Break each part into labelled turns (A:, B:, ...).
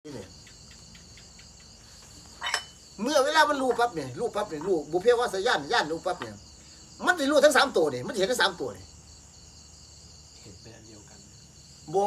A: นี่เนี่ยเมื่อเวลามันรู้ปั๊บเนี่ยรู้บุพเพวาสย่านรู้ปั๊บเนี่ยมันจะรู้ทั้ง3ตัวเนี่ยมันเห็นทั้ง3ตัวเนี่ย
B: เห็นเป็นอันเดียวกัน
A: บัว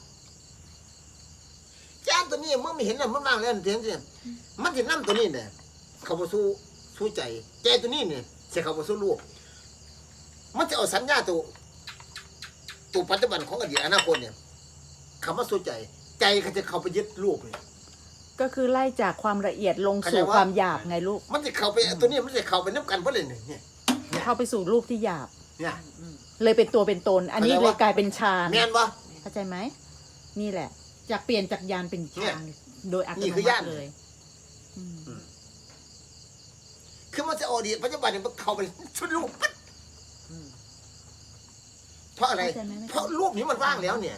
A: ย่านตัวนี้เมื่อไม่เห็นน่ะมันว่างแล้วเห็นสิมันจะนั่ตัวนี้เนี่ยเขาบ่สู้ใจใจตัวนี้เนี่ยจะเขาบ่สู้รูปมันจะเอาสัญญาตัวปัจจุบันของอดีตอนาคตเนี่ยคำว่าสู้ใจเขาจะเข้าไปยึดรูปเนี่ย
C: ก็คือไล่จากความละเอียดลงสู่ความหยาบไงลูก
A: มันจะเข้าไปตัวนี้มันจะเข้าไปนับกันเพราะเลยเนี่ย
C: เข้าไปสู่รูปที่หยาบ
A: เนี่ย
C: เลยเป็นตัวเป็นตนอันนี้เลยกลายเป็นฌาน
A: แม่นปะ
C: เข้าใจไหมนี่แหละจากเปลี่ยนจากญาณเป็นฌานโดยอัตโนมัติเลย
A: คือมันจะอดีตปัจจุบันเนี่ยมันเข้าไปชุดรูปเพราะอะไรเพราะรูปนี้มันว่างแล้วเนี่ย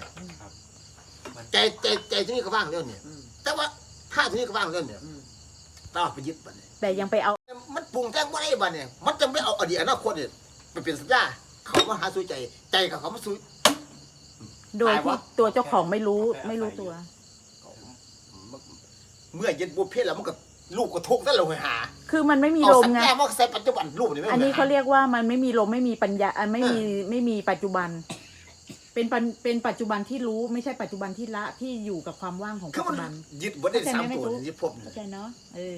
A: ใจที่นี่ก็ว่างแล้วเนี่ยแต่ว่าท่าที่นี่ก็ว่างแล้วเนี่ยต้องไปยึดบันเนี่ย
C: แต่ยังไปเอา
A: มันปรุงแต่งว่าไอ้บันเนี่ยมันจะไม่เอาอดีตอนาคตเนี่ยไปเป็นสัญญาเขามาหาสู้ใจกับเขามาสู้
C: โดยที่ตัวเจ้าของไม่รู้ตัว
A: เมื่อยึดบุพเพแล้วมันก็ลูกก็ทุกข์นั่นเราหา
C: คือมันไม่มีลมไง
A: เอาสัญญามาใส่ปัจจุบันรูปนี่ไม่
C: อันนี้เขาเรียกว่ามันไม่มีลมไม่มีปัญญาไม่มีปัจจุบันเป็นปัจจุบันที่รู้ไม่ใช่ปัจจุบันที่ละที่อยู่กับความว่างของปัจจุบัน
A: ยึดบนได้3ตัวยึดพบ
C: เข้าใจเนาะ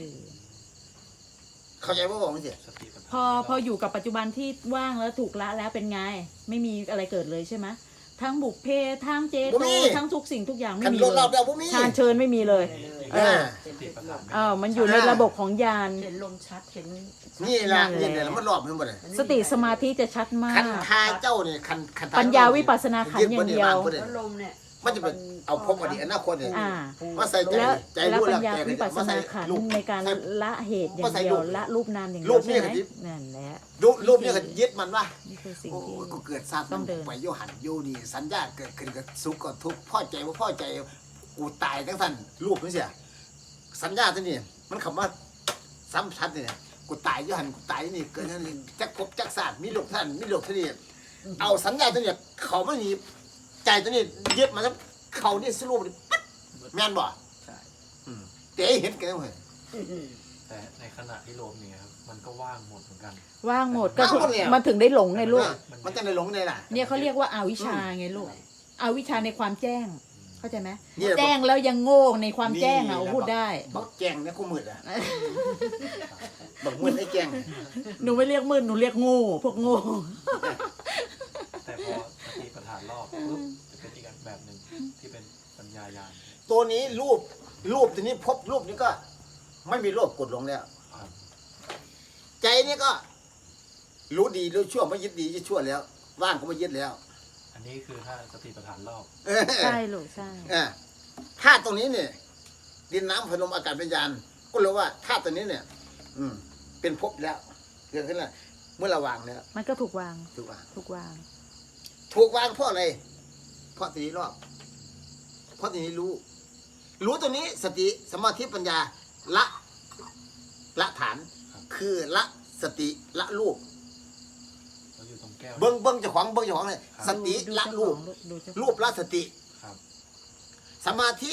A: เข้าใจว่าบอกไม่ใช่
C: พออยู่กับปัจจุบันที่ว่างแล้วถูกละแล้วเป็นไงไม่มีอะไรเกิดเลยใช่ไหมทั้งบุพเพทั้งเจโตทั้งทุกสิ่งทุกอย่างไม่มีเลยฌานเชิญไม่มีเลยมันอยู่ในระบบของญาณ
D: เห็นลมชัดเห็น
A: นี่แหละเนี่ยมันรอบมันหมดเลย
C: สติสมาธิจะชัดมาก
A: คันทาเจ้าเนี่ยคัน
C: ปัญญาวิปัสสนาขันธ์อย่างเดียว
D: ลมเนี่ย
A: มันจะเป็นเอาพบอดีตอนาคตเนี่ยมาใส่ใจ
C: แล้ว
A: รู้
C: ปัญญาวิปัสสนาขันธ์ในการละเหตุอย่างเดียวละรูปนามอย่างเดียวใช่ไหมนั่นแหละ
A: รูปนี่ก็ยึดมันว่า
C: นี่คือสิ่งที่
A: กูเกิดทราบต้องเดินไปโยหันโยนี่สัญญาเกิดขึ้นกับสุขกับทุกข์พ่อใจว่าพ่อใจกูตายทั้งท่านรูปนี่เสียสัญญาตัวนี้มันคำว่าซ้ำชัดเนี่ยกูตายโยหันกูตายนี่เกิดนั่นจักภพจักศาสตร์มีโลกท่านมีโลกท่านี่เอาสัญญาตัวนี้เขาไม่มีใจตัวนี้ยึดมาแล้วเขานี่สรุปแม่นบ่ใช่แต่เห็นกันเลย
B: แต่ในขณะที่ลมเนี่ยครับมันก็ว่างหมดเหมือนกัน
C: ว่างหมดก็มันถึงได้หลงไงลูก
A: มันจะได้หลงได้ล่ะ
C: เนี่ยเขาเรียกว่าอาวิชชาไงลูกอวิชชาในความแจ้งเข้าใจไหมแจ้งแล้วยังโง่ในความแจ้งพูดได้
A: บอกแจ้งเนี่ยกูมืดอ่ะบอกมืดไอ้แจ้ง
C: หนูไม่เรียกมืดหนูเรียกโง่พวกโง่
B: แต่พอสติปัฏฐานรอบปุ๊บจะเป็นอีกแบบหนึ่งที่เป็นปัญญาญาณ
A: ตัวนี้รูปตัวนี้พบรูปนี้ก็ไม่มีโลภกดหลงแล้วใจนี่ก็รู้ดีรู้ชั่วไม่ยึดดียึดชั่วแล้วว่างก็ไม่ยึดแล้ว
B: อันนี้คือถ้าสติปัฏฐานรอบ
C: ใช่ลูกใช่
A: ธาตุตรงนี้เนี่ยดินน้ำไฟลมอากาศวิญญาณก็รู้ว่าธาตุตัวนี้เนี่ยเป็นภพแล้วเกิดขึ้นแล้วเมื่อเราวางแล้ว
C: มันก็ถูกวาง
A: ถูกวางเพราะอะไรเพราะตัวนี้รอบเพราะตัวนี้รู้ตัวนี้สติสมาธิปัญญาละฐานคือละสติละรูปเบิ้งเจ้าของเลยสติละรูปละสติสมาธิ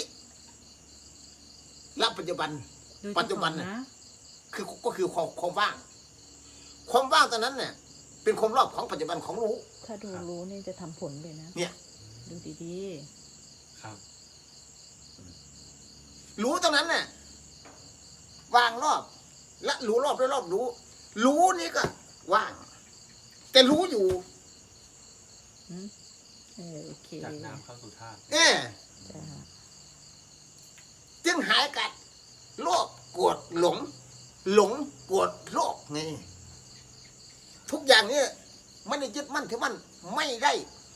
A: ละปัจจุบันนะก็คือความว่างตอนนั้นเนี่ยเป็นความรอบของปัจจุบันของรู้
C: ถ้าดูรู้นี่จะทำผลเลยนะ
A: เนี่ย
C: ดูดี
B: ๆครับ
A: รู้ตรงนั้นเนี่ยว่างรอบและรู้รอบด้วยรอบรู้นี่ก็ว่างแต่รู้อยู่
C: โอเค
B: จากน้ำเข้าสู่ธาตุ
A: จึงหายกัดโลภโกรธหลงโกรธโลภไงทุกอย่างนี้ไม่ได้ยึดมั่นถือมั่นไม่ได้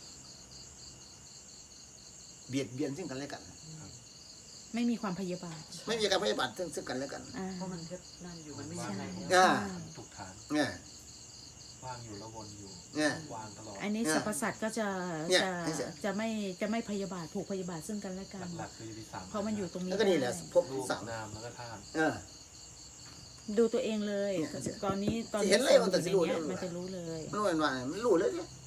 A: เบียดเบียนซึ่งกันและกัน
C: ไม่มีความพยาบาท
A: ไม่มีการพยาบาทซึ่งกันและกัน
D: เพราะมันแค่นั่นอยู่มันไม่ใช่อะไร
B: ทุกฐาน
A: เนี่ย
B: ว่างอยู่แล้ววนอยู่วางตลอด
C: อันนี้สรรพสัตว์ก็จะไม่พยาบาทผูกพยาบาทซึ่งกันและกัน
B: หลักคือที่3
C: เพราะมันอยู่ตรงนี้
A: แล้วก็นี่แหละพบ
B: สามนามแล้วก็ธาตุ
C: ดูตัวเองเลยตอนนี้
A: เห็นเลยมันจะรู้
C: มันจะรู้เลย
A: มันรู้เลย